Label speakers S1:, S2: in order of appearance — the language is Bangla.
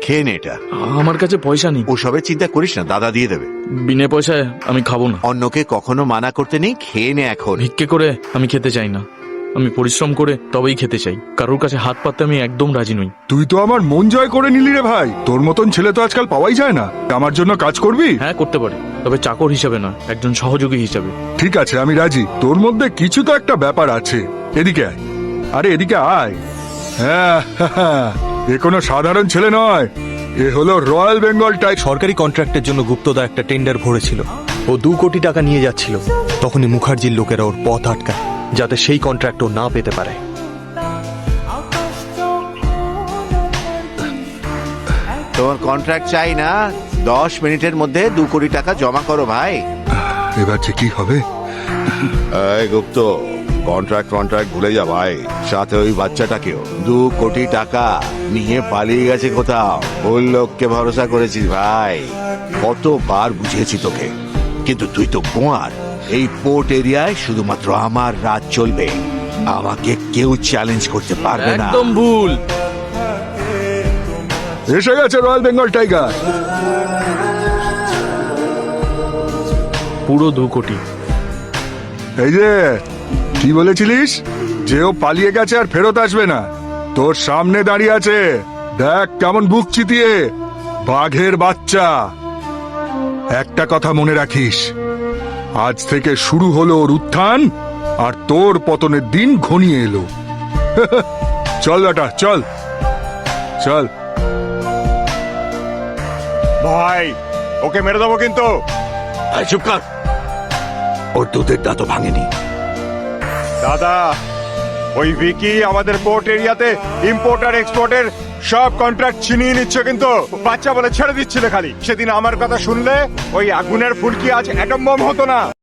S1: খেয়ে নে এটা।
S2: আমার কাছে পয়সা নেই।
S1: ওসবের চিন্তা করিস না, দাদা দিয়ে দেবে।
S2: বিনা পয়সায় আমি খাবো না।
S1: অন্যকে কখনো মানা করতে নেই, খেয়ে নে এখন।
S2: ভিক্ষে করে আমি খেতে চাই না, আমি পরিশ্রম করে তবেই খেতে চাই। কারোর কাছে হাত পাততে আমি একদম রাজি নই।
S3: তুই তো আমার মন জয় করে নিলি রে ভাই। তোর মতন ছেলে তো আজকাল পাওয়াই যায় না। আমার জন্য কাজ করবি?
S2: হ্যাঁ করতে পারি, তবে চাকর হিসাবে না, একজন সহযোগী হিসাবে।
S3: ঠিক আছে, আমি রাজি। তোর মধ্যে কিছু তো একটা ব্যাপার আছে। এদিকে আয়, আরে এদিকে আয়। হ্যাঁ, এ কোনো সাধারণ ছেলে নয়, এ হলো রয়্যাল বেঙ্গল টাইগার।
S4: সরকারি কন্ট্রাক্টের জন্য গুপ্তদা একটা টেন্ডার ভরেছিল। ও 2 কোটি টাকা নিয়ে যাচ্ছিল। তখনই মুখার্জির লোকেরা ওর পথ আটকায়, যাতে সেই কন্ট্রাক্ট ও না পেতে পারে।
S1: তোমার কন্ট্রাক্ট চাই না, 10 মিনিটের মধ্যে 2 কোটি টাকা জমা করো ভাই।
S3: এবার যে কি হবে?
S5: এই গুপ্ত, কন্ট্রাক্ট ভুলে যা ভাই, সাথে ওই বাচ্চাটাকেও।
S1: 2 কোটি টাকা নিয়ে পালিয়ে গেছে কোথাও। ভুল লোককে ভরসা করেছিস ভাই, কতবার বুঝিয়েছি তোকে, কিন্তু তুই তো গোয়ার। এই পোর্ট এরিয়ায় শুধুমাত্র আমার রাজ চলবে, আমাকে কেউ চ্যালেঞ্জ করতে পারবে না।
S2: একদম ভুল।
S3: এসে গেছে রয়্যাল বেঙ্গল টাইগার।
S2: পুরো 2 কোটি।
S3: এই যে কি বলেছিলিস যে ও পালিয়ে গেছে আর ফেরত আসবে না? তোর সামনে দাঁড়িয়ে আছে, দেখ কেমন বুক চিতিয়ে। বাঘের বাচ্চা। একটা কথা মনে রাখিস, আজ থেকে শুরু হলো ওর উত্থান, আর তোর পতনের দিন ঘনিয়ে এলো। চল বেটা, চল চল।
S5: ভাই, ওকে মেরে দেবো কিন্তু।
S1: এই চুপ কর, ওর দুধের দাঁতও ভাঙেনি।
S5: দাদা, ওই ভিকি আমাদের পোর্ট এরিয়াতে ইম্পোর্ট আর এক্সপোর্টের সব কন্ট্রাক্ট ছিনিয়ে নিচ্ছে, কিন্তু বাচ্চা বলে ছেড়ে দিচ্ছিল খালি। সেদিন আমার কথা শুনলে ওই আগুনের ফুলকি আজ অ্যাটম বম হতো না।